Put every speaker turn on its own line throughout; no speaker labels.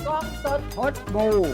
กล้องสด
พดบู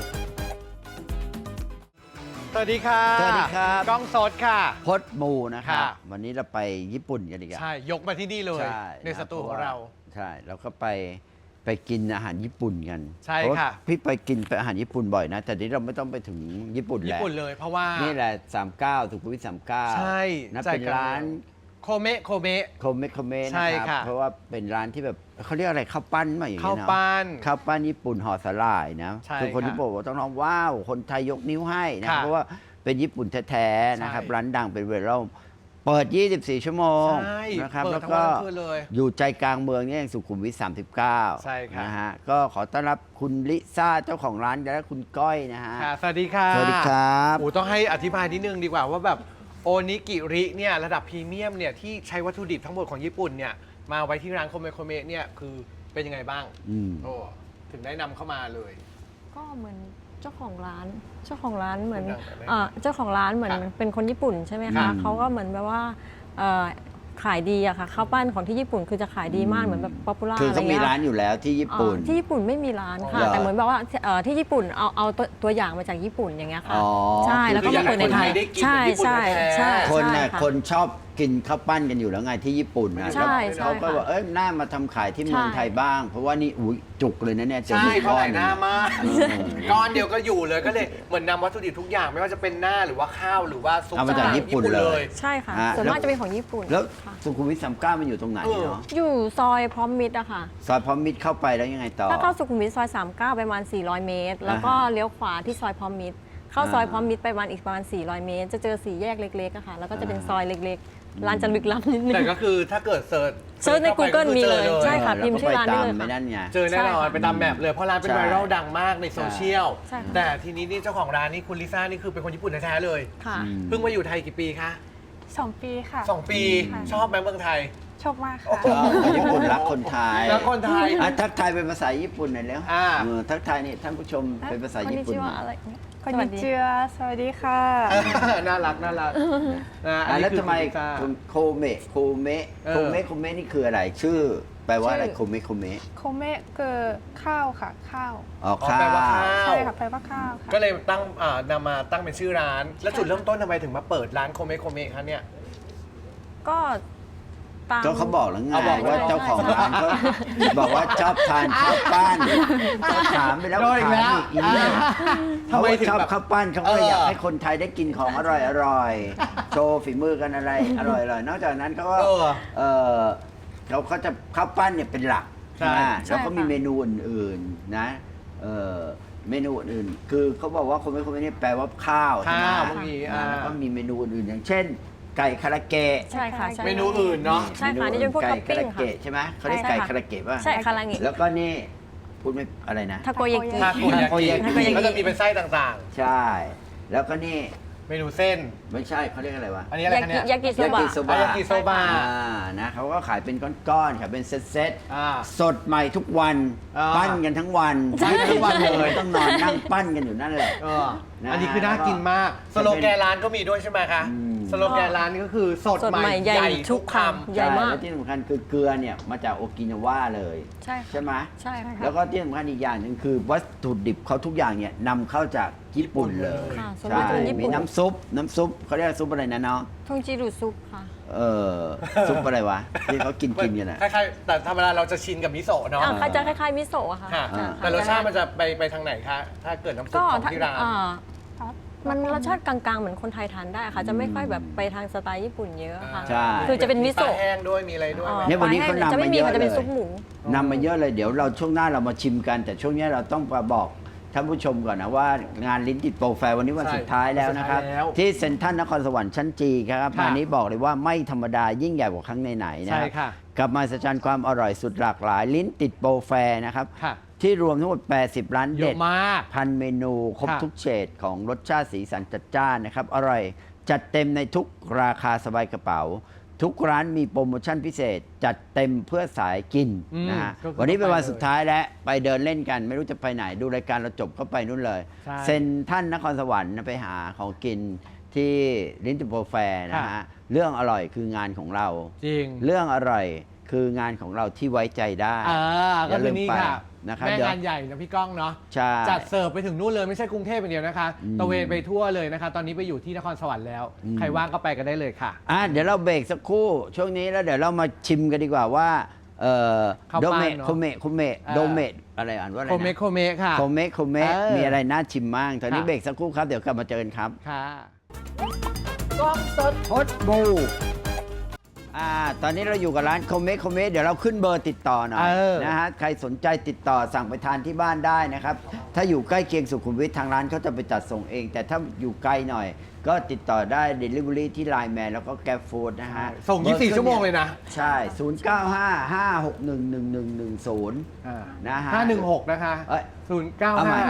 สวัสดีค่ะ
สวัสดีครับ
กล้องสดค่ะ
พดบูนะครับ
ค่ะ
วันนี้เราไปญี่ปุ่นกันดีกว่า
ใช่ ยกมาที่นี่เลย
ใช่
ในสตูของเรา
ใช่แล้วก็ไปกินอาหารญี่ปุ่นกัน
ใช่
เพราว่า
ค่ะ
พี่ไปกินอาหารญี่ปุ่นบ่อยนะ แต่นี้เราไม่ต้องไปถึงญี่ปุ่น
ญี่
แล้ว
ปุ่นเลยเพราะว่า
นี่แหละ39สุขุมวิท39
ใช่
นะ
ใจ
เป็น
กลาง
ร้าน
โคเมะโคเมะ
โคเมะโคเมะ
ใช่
นะครับ
ค่ะ
เพราะว่าเป็นร้านที่แบบเขาเรียกอะไรข้าวปั้นมาอย่าง
ข้าว
เงี้ยเนาะ
ปั้น
ข้าวปั้นญี่ปุ่นห่อสลายนะ
ใช่
คือคน
ค่ะ
ญี่ปุ่นบอกต้องร้องว้าวคนไทยยกนิ้วให้นะ
ค่ะ
เพราะว่าเป็นญี่ปุ่นแท้ๆนะครับ
ใช่
ร้านดังเป็นเวลาเปิด 24 ชั่วโมง
ใช่
นะครับ
เปิด
แล้ว
ทั้ง
ก็
วันทั้งคืนเลย
อยู่ใจกลางเมืองนี่เองสุขุมวิท39
ใช่ครับ
นะฮะก็ขอต้อนรับคุณลิซ่าเจ้าของร้านและคุณก้อยนะฮะ
ค่ะสวัสดีค่ะ
สวัสดีครับ
โอ้ต้องให้อธิบายนิดนึงดีกว่าว่าแบบโอนิกิริเนี่ยระดับพรีเมียมเนี่ยที่ใช้วัตถุดิบทั้งหมดของญี่ปุ่นเนี่ยมาไว้ที่ร้านโคเมะโคเมะเนี่ยคือเป็นยังไงบ้าง
อืม
โอ้ถึงได้นำเข้ามาเลย
ก็เหมือนเจ้าของร้านเหมือน
ดังๆเลย
เจ้าของร้านเหมือน
ค่ะ
เป็นคนญี่ปุ่นใช่ไหม
ครั
คะ
บ
เขาก็เหมือนแบบว่าเอ่อขายดีอะค่ะข้าวปั้นของที่ญี่ปุ่นคือจะขายดีมากเหมือนแบบป๊อปปูล่า
คือ
อะไร
เขามี
เงี้ย
ร้านอยู่แล้วที่ญี่ปุ่น
ที่ญี่ปุ่นไม่มีร้านค่ะ
เหรอ
แต่เหมือนแบบว่าที่ญี่ปุ่นเอาตัวอย่างมาจากญี่ปุ่นอย่างเงี้ยค่ะ
อ๋อ
ใช่แล้วก็มาเปิดในไทย
คืออยากให้คนไทยได้กิน
ใช่
แบบญี่ปุ่น
ใช่
แท้ๆ
ใช่
คน
ใช่
น่ะ
ค่ะ
คนชอบกินข้าวปั้นกันอยู่แล้วไงที่ญี่ปุ่นนะ
ใช่
แล้วเขาก็
ใช่ค่ะ
บอกน่ามาทำขายที่เมือง
ใช่
ไทยบ้าง เพราะว่านี่อุ้ยจุกเลยนะเนี่ยเจอ
ใช่
ห
เขา
ก้อ
ใส่หน้ามาก
เออ
ก้อนเดียวก็อยู่เลยก็เลยเหมือนนำวัตถุดิบทุกอย่างไม่ว่าจะเป็นหน้าหรือว่าข้าวหรือว่าซุป
เอามาจากญี่ปุ่นเลย
ใช่ค่ะ
ฮะ
ส่วนมาก
แล้ว
จะเป็นของญี่ปุ่น
แล้ว
ค่ะ
สุขุมวิท39มันอยู่ตรงไหนเนาะ
อยู่ซอยพร้อมมิตรอะค่ะ
ซอยพร้อมมิตรเข้าไปแล้วยังไงต่อ
ถ้าเข้าสุขุมวิทซอย 39 ไปประมาณ 400 เมตร แล้วก็เลี้ยวขวาที่ซอยพร้อมมิตร เข้าซอยพร้อมมิตรไปประมาณอีกประมาณ 400 เมตร จะเจอสี่แยกเล็กๆอะค่ะ แล้วก็จะเป็นซอยเล็กๆ ร้านจะลึกลับนิดนึง
แต่ก็คือถ้าเกิดเซิร์ช
เซิร์ชใน Google มีเลยใช่ ค่ะ
แล้ว
พิมพ์ชื่อร้านได้เลย
ก็ไปตม
ค่ะ
ไม่นั่นไง
เจอแน่นอน
ใช่ค่ะ
ไปตามแมปเลยเพราะร้านเป็น
ใช่
ไวรัลดังมากในโซเชียล
ใช่ค่ะ
แต่ทีนี้นี่เจ้าของร้านนี่คุณลิซ่านี่คือเป็นคนญี่ปุ่นแท้ๆเลย
ค่ะ
อืม
เพิ่งมาอยู่ไทยกี่ปีคะ
2 ปีค่ะ
2 ปี
ค่ะ
ชอบไหมเมืองไทย
ชอบมากค่ะ
ชอบญี่ปุ่นรักคนไทย
แล้วคนไทย
ทักทายเป็นภาษาญี่ปุ่นหน่อยแล้ว
อ่า
ทักทายนี่ท่านผู้ชมเป็นภาษาญี่ปุ่น
ค
ห
น
น่อย
อะไรเนี่ย
คนนิเจือสวัสดีค่ะ
น่ารักน่ารักนะอันนี้
แล้ว
คือ
ทำไม
คุณลิซ่า
คุณโคเมะโคเมะ
เออ
โคเมะโคเมะนี่คืออะไรชื่อ แปลว่าอะไร
ชื่อ
โคเมะโคเมะ
โคเมะคือข้าวค่ะ ข้าว
อ๋อ
อ๋อ
ข้า
แปลว่าข้าว
ใช่ค่ะแปลว่าข้าวค่ะ
ก็เลยตั้งนำมาตั้งเป็นชื่อร้าน แล้วจุดเริ่มต้นทำไมถึงมาเปิดร้านโคเมะโคเมะคะเนี่ย
ก็ตาม
ก็เขาบอกแล้วไง
เอาบอก
ว่าเจ้าของร้านเขาบอกว่าชอบทานข้าวปั้นก็ถามไปแล้ว
โดนอีกแล้ว
ถามอีกเนี่ย
ทำไมถึง
ชอบ
แบบ
ข้าวปั้นเขาก็เลย
เออ
อ
อ
ยากให้คนไทยได้กินของอร่อยๆโชว์ฝีมือกันอะไรอร่อยๆนอกจากนั้นเขาก็
เออ
เออเขาจะข้าวปั้นเนี่ยเป็นหลัก
ใช่
ไหม
ใช่
แล้วก็มี
ค่ะ
เมนูอื่นๆนะเออเมนูอื่นๆคือเขาบอกว่าคนไม่นี่แปลว่าข้าวใช่ไหม
ข้าวบางที
แล้วก็มีเมนูอื่นๆอย่างเช่น ไก่คาราเกะ
ใช่ค่ะใช่
เมนูอื่นเนาะ
ใช่ค่ะนี่จะเป็นพวก
ไก่
ท็อปปิ้
คาง รา
ค่ะ
เกะใช่ไหมเขาเรียก
ใช่
ไก่
ค่ะ
คาราเกะป่ะ
ใช่คารางิ
แล้วก็นี่พูดไม่อะไรนะ
ทาโกยากิ
ทาโกยา
ทาโกยากิ
กิก็จะมีเป็นไส้ต่าง
ใช่ แล้วก็นี่
ๆ เมนูเส้น
ไม่ใช่เขาเรียกอะไรวะ
อันนี้อะไรคะเนี่ย
ยากิโซบะ
ยากิโซบะ
ยากิโซบะ
นะเขาก็ขายเป็นก้อนๆขายเป็นเซต
อ่า
สดใหม่ทุกวัน
อ่า
ปั้นกันทั้งวัน
ปั้นทั้งวันเลย
ต้องนอนนั่งปั้นกันอยู่นั่นแหละ
เออ
นะ
อันนี้คือน่ากินมาก
จะเป็น
สโลแกนร้านก็มีด้วยใช่ไหมคะ
อืม
สโลแกนร้านก็คือสด
สด
ให
ใหม่
ม่
ใหญ่
ใหญ่ทุกค
ทุกคำ ใหญ่
ใช่
มาก
แล้วที่สำคัญคือเกลือเนี่ยมาจากโอกินาวาเลย
ใช่ค่ะ
ใช่ไหม
ใช่ค่ะ
แล้วก็ที่สำคัญอีกอย่างหนึ่งคือวัตถุดิบเขาทุกอย่างเนี่ยนำเข้าจากญี่ปุ่นเลย
ค่ะส่วน
ใช่
มากจะเป็นญี่ปุ่น
มีน้ำซุปเขาเรียกซุปอะไรนะเนาะ
ทงจิรุซุปค่ะ
เออซุปอะไรวะที่เขากินกันอ่ะ
คล้ายๆแต่ธรรมดาเราจะชินกับมิโซะเนาะ
เขาจะคล้ายๆมิโซะอะค่ะ
ค่ะ
อ่า
แต่รสชาติมันจะไปทางไหนคะ ถ้าเกิดน้ำซุป
ก็
ของที่ร้าน
มันรสชาติกลางๆ เหมือนคนไทยทานได้ค่ะ จะไม่ค่อยแบบไปทางสไตล์ญี่ปุ่นเยอะค่ะ
ใช่
คือจะเป็นมิโซะ
ปลาแห้งด้วยมีอะไรด้วยไหม
เนี่ยวันนี้เขานำ
จะไม่
มา
มี
เยอะ
ค่ะจะเป็น
เลย
ซุปหมู
นำมาเยอะเลยเดี๋ยวเราช่วงหน้าเรามาชิมกัน แต่ช่วงนี้เราต้องมาบอกท่านผู้ชมก่อนนะว่างานลิ้นติดโปรแฟร์วันนี้วัน
ใช่
สุดท้ายแล้วนะครับ
วันสุดท้ายแล้ว
ที่เซ็นทรัลนครสวรรค์ชั้นจีครับ
ค่ะ
งานนี้บอกเลยว่าไม่ธรรมดายิ่งใหญ่กว่าครั้งไหนๆนะ
ใช่
ครับ
ค่ะ
กับมาสัจจันความอร่อยสุดหลากหลาย ลิ้นติดโปรแฟร์นะครับ
ค่ะ
ที่รวมทั้งหมด 80 ร้าน
เย
เด็
อะ
ด
มาก
พันเมนูครบ
ค่ะ
ทุกเฉดของรสชาติสีสันจัดจ้านนะครับ อร่อยจัดเต็มในทุกราคาสบายกระเป๋า ทุกร้านมีโปรโมชั่นพิเศษ จัดเต็มเพื่อสายกินนะฮะ
ก็คือ
วันนี้เป็นวัน
ไปเลย
สุดท้ายแล้วไปเดินเล่นกัน ไม่รู้จะไปไหนดูรายการเราจบก็ไปนู่นเลย
ใช่
เซ็นท่านนครสวรรค์นะไปหาของกินที่ลิ้นติดโปรแฟร์นะฮะ
ค่ะ
เรื่องอร่อยคืองานของเรา
จริง
เรื่องอร่อยคืองานของเราที่ไว้ใจได้
ก็คือนี่ค่ะ
อนะครับ
แม่
เดี๋ยว
งานใหญ่นะพี่ก้องเนาะ
ใช่
จัดเสิร์ฟไปถึงนู่นเลยไม่ใช่กรุงเทพอย่างเดียวนะคะ
อืม
ตะเวนไปทั่วเลยนะคะ ตอนนี้ไปอยู่ที่นครสวรรค์แล้ว ใครว่างก็ไปกันได้เลยค่ะ
เดี๋ยวเราเบรกสักครู่ช่วงนี้แล้วเดี๋ยวเรามาชิมกันดีกว่าว่า
ข้าว
โด
ปั้น
เมะ
เนอะ
โคเมะโคเมะ
อ่า
โดเมะอะไรอ่านว่าอะไร
โค
นะ
เมะโคเมะค่ะ
โคเมะโคเมะ
เออ
มีอะไรน่าชิมบ้างตอนนี้
ค่ะ
เบรกสักครู่ครับเดี๋ยวกลับมาเจอกันครับ
ค่ะกล้องสด
พดบูตอนนี้เราอยู่กับร้านโคเมะโคเมะเดี๋ยวเราขึ้นเบอร์ติดต่อหน่อย
เออ
นะฮะใครสนใจติดต่อสั่งไปทานที่บ้านได้นะครับ ถ้าอยู่ใกล้เคียงสุขุมวิททางร้านเขาจะไปจัดส่งเอง แต่ถ้าอยู่ไกลหน่อย ก็ติดต่อได้ Delivery ที่ Line Man แล้วก็ Grab Food นะฮะ
ส่ง 24 ชั่วโมงเลยนะ
ใช่ 0955611110 นะฮะ
516 นะคะ
เอ้ย เอาใหม่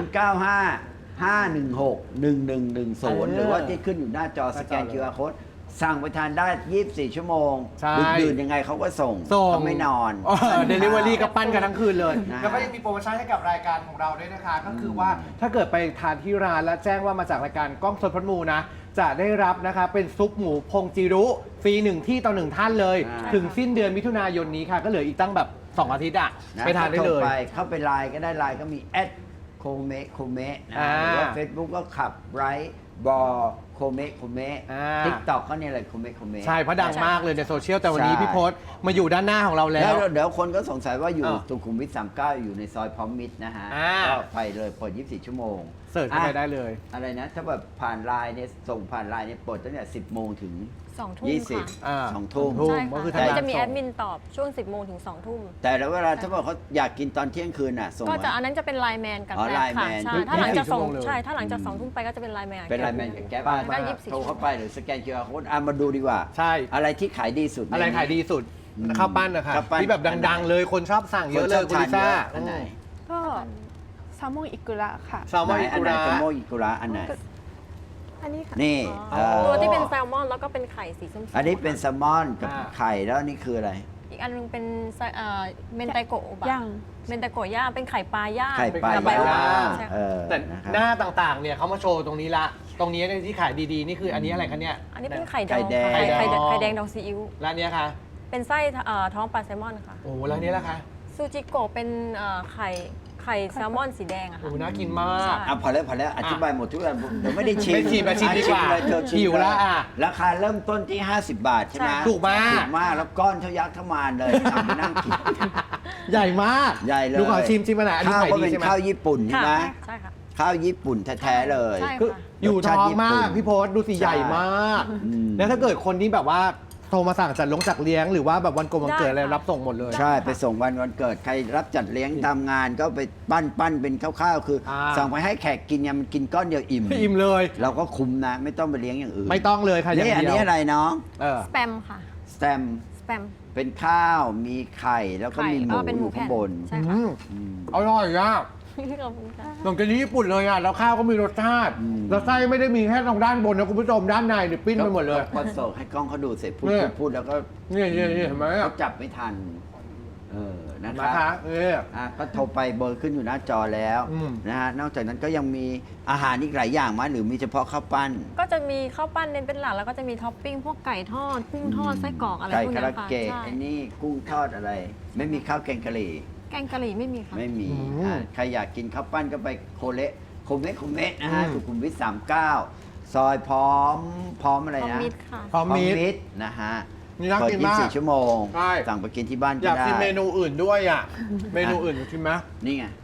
0955161110 หรือว่าที่ขึ้นอยู่หน้าจอสแกน QR Code สั่งไปทานได้ 24 ชั่วโมง
ใช่
ดึกดื่นยังไงเขาก็ส่ง
ส่ง
เขาไม่นอน
เดลิเวอรี่ก็ปั้นกันทั้งคืนเลย
นะ
แล้วก็ยังมีโปรโมชั่นให้กับรายการของเราด้วยนะคะ ก็คือว่าถ้าเกิดไปทานที่ร้านแล้วแจ้งว่ามาจากรายการกล้องสดพดมูนะ จะได้รับนะคะเป็นซุปหมูพงจิรุฟรี1ที่ต่อ1ท่านเลย ถึงสิ้นเดือนมิถุนายนนี้ค่ะ ก็เหลืออีกตั้งแบบ 2 อาทิตย์อ่ะ
ะ
ไปทานได้เลย
เข้าไปไลน์ก็ได้ไลน์ก็มีโคเมะโคเมะนะ
อ่า
หรือว่า Facebook ก็ขับไรบอโคเมะโคเมะ
อ่า
ทิกตอกก็เนี่ยเลยโคเมะโคเมะ
ใช่เพราะดังมากเลยในโซเชียลแต่วันนี้
ใช่
พี่พศมาอยู่ด้านหน้าของเราแล้
แล้ว วเดี๋ยวคนก็สงสัยว่าอยู่
อ้าว
สุขุมวิท39 อยู่ในซอยพร้อมมิตรนะฮะ
อ่า
ก็ไปเลยเปิด 24 ชั่วโมง
เสิร์ชเข้าไปได้เลย
อะไรนะ ถ้าแบบผ่านไลน์เนี่ยส่งผ่านไลน์เนี่ยเปิดตั้งแต่10 โมงถึง
2 ทุ่มค่ะ
20 2 ทุ่ม
ทุ่ม
ใช่
ก็คือ
ค่ะ
ทาง
แล้ว
ร้าน
จะมี
ส่ง
แอดมินตอบช่วง 10 โมงถึง 2 ทุ่ม
แต่แล้วเวลาถ้าบอกเขาอยากกินตอนเที่ยงคืนน่ะส่ง
ก็จะ
มา
อันนั้นจะเป็นไลน์แมนกับ
อ๋อ
แกร็บค่ะ
Line Man
ใช่ถ้าหลังจาก
24ชั่วโมงเลย
ใช่ถ้าหลังจาก2 ทุ่มไปก็จะเป็นไลน์แมน
เป็นไลน์แมนกับแก๊ป
ก็24
โทรเข้าไปหรือสแกน QR Code มาดูดีกว่า
ใช่
อะไรที่ขายดีสุด
อะไรขายดีสุดข้าวปั้นนะคะ
ข้าวปั้น
ที่แบบดังๆ เลยคนชอบสั่งเยอะเลยคุณลิซ่า
อันไหน
ก็แซลมอนอิกุระค่ะ
แซลมอนอิ
อัน
กุ
ไหน
ระ
โตโมอิกุระอันไหน
อันนี้ค่ะ
นี่
ตัวที่เป็นแซลมอนแล้วก็เป็นไข่สีส้มๆ
อันนี้เป็นแซลมอนกับ
อ่า
ไข่แล้วอันนี่คืออะไร
อีกอันนึงเป็นเมนไตโกะโอบะ
ย่าง
เมนไตโกะย่างเป็นไข่ปลาย่าง
ไข่ปลา
กับใบ
ย่า
โอบะ
ง
ใช่
เอ
ค่ะ
อ
แต่
นะครับ
หน้าต่างๆ เนี่ยเขามาโชว์ตรงนี้ละ ตรงนี้เนี่ยที่ขายดีๆ นี่คืออันนี้อะไรคะเนี่ย
อันนี้เป็นไข่ด
ไข่
อง
แดง
ค่ะ
ไข่แดง
ไข่แดงดองซีอิ๊ว
ร้านเนี้ยค่ะ
เป็นไส้ท้องปลาแซลมอนค่ะ
โอ้แล้วอันนี้ล่ะคะ
ซูจิโกะเป็นไข่แซลมอนสีแดงอะ
โอ้
ค่ะ
น่ากินมาก
พอแล้วอธิบายหมดทุกอย่างเดี๋ยวไม่ได้ชิม
ไม่ชิมมาชิมดีกว่า
เลยเธอชิม
หิวแล้วอ่ะ
ราคาเริ่มต้นที่ 50 บาทใช่ไหม
ใช่
ถูกมาก
ถูกมากแล้วก้อนเท่ายักษ์เท่ามานเลยทำไปนั่งกิน
ใหญ่มาก
ใหญ่เลย
ดูขอชิมมาหน่อยอันนี้
ข้าว
ขาย
ก็
ดี
เป็น
ใช่ไหม
ข้าวญี่ปุ่นใช่ไหม
ใช่ค่ะ
ข้าวญี่ปุ่นแท้ๆเลย
ใช่
คืออยู่ท้องมากพี่โพสดูสิ
ใช่
ใหญ่มาก
อืม
แล้วถ้าเกิดคนที่แบบว่าโทรมาสั่งจัดเลี้ยงหรือว่าแบบวันกงวันเกิดอะไร
ได้ค่ะ
รับส่งหมดเลย
ใช่ ไปส่งวันเกิดใครรับจัดเลี้ยงทำงานก็ไปปั้นเป็นข้าวๆคืออา สั่งไปให้แขกกินเนี่ยมันกินก้อนเดียวอิ่ม
อิ่มเลย
เราก็คุ้มนะ ไม่ต้องไปเลี้ยงอย่างอื่น
ไม่ต้องเลยค่ะอย่าง
นี่อัน
เดียว
นี้อะไรน้อง
เออ
สแปมค่ะ
สแตม
สแปม
เป็นข้าวมีไข่แล้วก็มีหมู
เป็น
อ
หมู
ยู่ข้างบน
ใช่
อื
ค่ะ
มอร่อยอ่ะ
ขอบคุณค่ะ
เหมือนกันญี่ปุ่นเลยอ่ะแล้วข้าวก็มีรสชาติ
อืม
แล้วไส้ไม่ได้มีแค่ตรงด้านบนนะคุณผู้ชมด้านในเนี่ยปิ้นไปหมดเลย
ก็ส่งให้กล้องเขาดูเสร็จพู
เนี่ย
ดแล้วก็
นี่เห็นไหมอ่ะ
เขาจับไม่ทันนะค
นะ
รั
คะ
บ ก็โทรไปเบอร์ขึ้นอยู่หน้าจอแล้ว
อืม
นะฮะนอกจากนั้นก็ยังมีอาหารอีกหลายอย่างมั้ยหรือมีเฉพาะข้าวปั้น
ก็จะมีข้าวปั้นเน้นเป็นหลักแล้วก็จะมีท็อปปิ้งพวกไก่ทอดกุ้งทอดไส้กรอกอะไร
ไก่
พวก
คา
เนี้
ราย
ค่ะ
เกะ
ใช่
ไอ้นี่กุ้งทอดอะไร ไม่มีข้าวแกงกะหรี่
แกงกะหรี่ไม่มีค่ะ
ไม่มี
อืม
ใครอยากกินข้าวปั้นก็ไปโคเมะนะฮะ
อืม
สุขุมวิท39 ซอยพร้อมอะไร
พร้อม
นะ
มิตรค่ะ
พร้อมมีด
ตรนะฮะ
นี่น่า
เปิด
กินมาก
24 ชั่วโมง
ใช่
สั่งไปกินที่บ้าน
อ
ก็
ยาก
ได้
กินเมนูอื่นด้วยอ่ะ เมนูอื่นชิมไหม
นี่ไง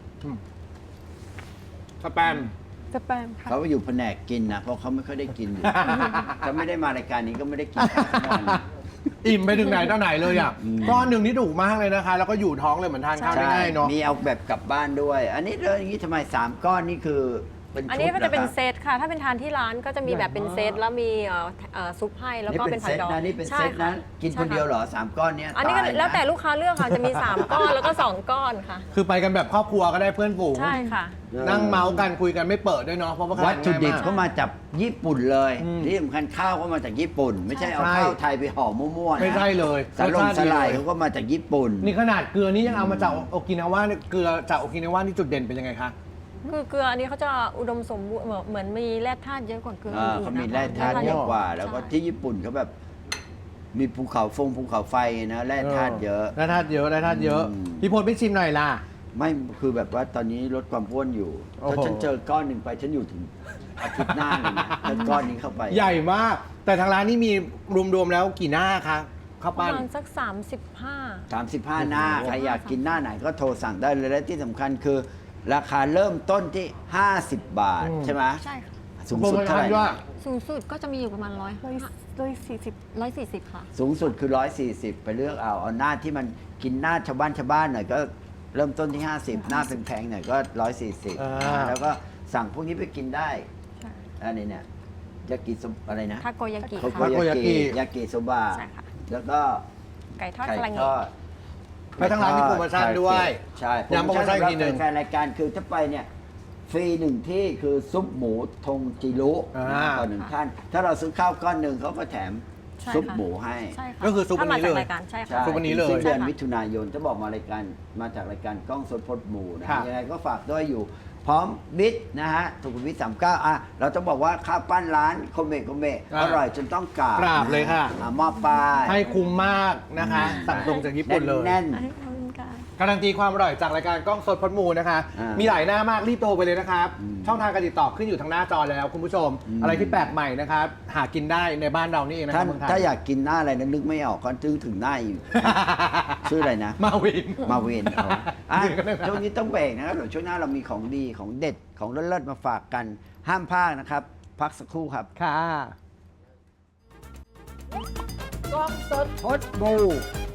สแปม
สแปมค่ะ
เขาไปอยู่แผนกกินนะเพราะเขาไม่ค่อยได้กินอยู่ ถ้าไม่ได้มารายการนี้ก็ไม่ได้กินข้าวทั้งวัน
อิ่มไปถึงไหนเท่าไหนเลยอ่ะ
อืม
ก้อนหนึ่งนี่ถูกมากเลยนะคะ แล้วก็อยู่ท้องเลยเหมือนทานข้าวได้ง่ายเนาะ
มีเอาแบบกลับบ้านด้วย อันนี้เลยอย่างนี้ทำไม 3 ก้อนนี่คือเป็นชุด
อันนี้ก็จะเป็น
หรอครับ
เซตค่ะ ถ้าเป็นทานที่ร้านก็จะมีแบบเป็นเซตแล้วมีซุปให้แล้วก็เป็นผักดอง
นี่เป็นเซต
ใช่
นะ
ค่ะ
กินคนเดียวเหรอ 3 ก้อนเนี้ย
อันนี้ก็
ตายะ
แล้วแต่ลูกค้าเลือกค่ะ จะมี 3 ก้อนแล้วก็ 2 ก้อนค่ะ
คือไปกันแบบครอบครัวก็ได้เพื่อนฝูง
ใช่ค่ะ
นั่งเมาส์กันคุยกันไม่เปิดด้วยเนาะเพราะว่า
วัตถุดิบ
ง่ายมาก
ก็มาจากญี่ปุ่นเลย
อืม
ที่สำคัญข้าวก็มาจากญี่ปุ่น ไม่ใช่เอา
ใช่
ข้าวไทยไปห่อมั่วๆนะ
ไม่ใช่เลย
สลง
รสชาติ
ส
ดี
ลาย
เลย
เขาก็มาจากญี่ปุ่น
นี่ขนาดเกลือนี่ยังเอามาจากโอกินาวาเนี่ยเกลือจากโอกินาวานี่จุดเด่นเป็นยังไงคะ
คือเกลืออันนี้เขาจะอุดมสมบูรณ์เหมือนมีแร่ธาตุเยอะกว่าเกลือ
อ่า
อื่นๆ
เขามี
นะคะ
แร่ธาตุเยอะกว่า แล้วก็
ใช่
ที่ญี่ปุ่นเขาแบบ มีภูเขาไฟนะแร่ธาตุเยอะ
แร่ธาตุเยอะแร่ธาตุเยอะ
อืม
พี่พลไม่ชิมหน่อยล่ะ
ไม่คือแบบว่าตอนนี้ลดความอ้วนอยู่
โอ้โห
ถ้าฉันเจอก้อนหนึ่งไปฉันอยู่ถึงอาทิตย์หน้าเลยนะถ้าก้อนนี้เข้าไป
ใหญ่มาก แต่ทางร้านนี่มีรวมๆแล้วกี่หน้าคะข้าว
ประ
ปั้น
มาณสัก 35
35 หน้า ใครอยากกินหน้าไหนก็โทรสั่งได้เลย และที่สำคัญคือ ราคาเริ่มต้นที่ 50 บาท
อืม
ใช่ไหม
ใช่ค่ะ
สูงสุดเท่าไหร่
ด้วย
สูงสุดก็จะมีอยู่ประมาณ
140
140 ค่ะ
สูงสุดคือ 140 ไปเลือกเอาหน้าที่มันกินหน้าชาวบ้านหน่อยก็เริ่มต้นที่ 50 หน้าแพงๆหน่อยก็ 140 แล้วก็สั่งพวกนี้ไปกินได้
ใช่
อันนี้เนี่ยยากิโซอะไรนะ
ทาโกยากิ
โคโก
ค่ะ
ยากิยากิโซบะ
ใช่ค่ะ
แล้วก็
ไก่ทอด
ไก่
กระเง
ทอด
แล้วทางร้านมีโปรโมชั่นด้วย
ใช่
ย้ำโปรโมชั่นอีกทีหนึ่ง
แฟนรายการคือถ้าไปเนี่ยฟรีหนึ่งที่คือซุปหมูทงจิรุ
อ่า
ต่อหนึ่งท่าน ถ้าเราซื้อข้าวก้อนหนึ่งเขาก็แถม
ใช่ค่ะ
ซุปหมูให้
ใช่ค่ะ
ก็คือซุปวันนี้เลย
ถ้ามาจากรายการใช่
ใช่
ค่ะ
ซุปวันนี้เลย
สิ้นเดือน
ใช่ค่ะ
มิถุนายนจะบอกมาจากรายการกล้องสดพดหมูนะ
ค่ะ
ยังไงก็ฝากด้วยอยู่ พร้อมบิทนะฮะสุขุมวิท39อ่ะเราต้องบอกว่าข้าวปั้นร้านโคเมะอร่อยจนต้องกราบ
กราบเลยค่ะ
มอบป้าย
ให้คุ้มมากนะคะ สั่งตรงจากญี่ปุ่นเลย
แน่น
อันนี้ขอบคุณค่ะ
การันตีความอร่อยจากรายการกล้องสดพดมูนะคะ
อ่ามี
มีหลายหน้ามากรีบโทรไปเลยนะครับ
อืม
ช่องทางการติดต่อขึ้นอยู่ทางหน้าจอแล้วคุณผู้ชม อะไรที่แปลกใหม่นะครับ หากินได้ในบ้านเรานี่เองนะค
ท่า
รับ
น
เมืองไทย
ถ้าอยากกินหน้าอะไรนะนึกไม่ออกก็ถึงหน้าอยู่ ชื่ออะไรนะ
มาวิน
มาเวนเอาอ่ะ
เดี๋ยวก็ได้นะ
ช่วงนี้ต้องเบรกนะครับเดี๋ยวช่วงหน้าเรามีของดีของเด็ดของเลิศๆมาฝากกัน ห้ามพลาดนะครับ พักสักครู่ครับ
ค่ะ
กล้องสดพดบู